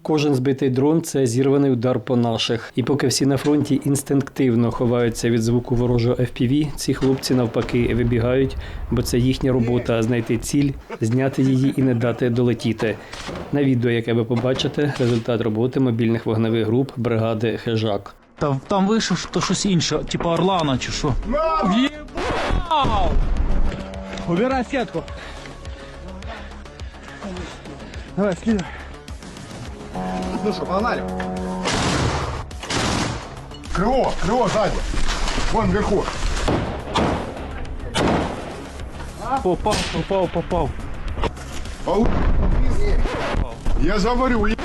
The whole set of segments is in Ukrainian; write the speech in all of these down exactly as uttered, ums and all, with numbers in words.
Кожен збитий дрон – це зірваний удар по наших. І поки всі на фронті інстинктивно ховаються від звуку ворожого еф пі ві, ці хлопці навпаки вибігають, бо це їхня робота – знайти ціль, зняти її і не дати долетіти. На відео, яке ви побачите, результат роботи мобільних вогневих груп бригади «Хижак». Там, там вийшов то щось інше, типу Орлана чи що. В'єбав! Убирай сетку. Давай, скидывай. Ну что, погнали? Крыло, крыло сзади. Вон вверху. Попав, попав, попав. Пау- Я говорю, е-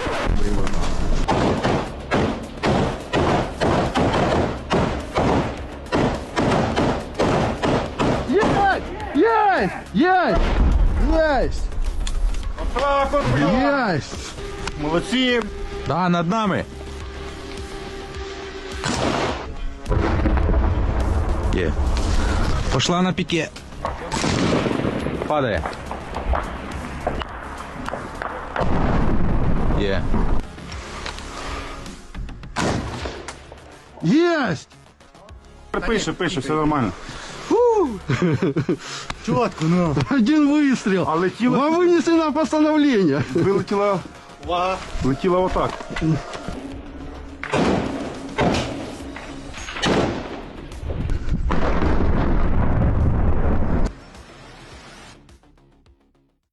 Есть! Есть! Есть! так вот, бля. Есть! Молодцы. Да, над нами. Є. Пошла на піке. Падає. Є. Есть! Пише, пише, все нормально. Четко, ну. Один выстрел. А летіло- Вам вынесли на постановление. Вилетіла, летіла отак.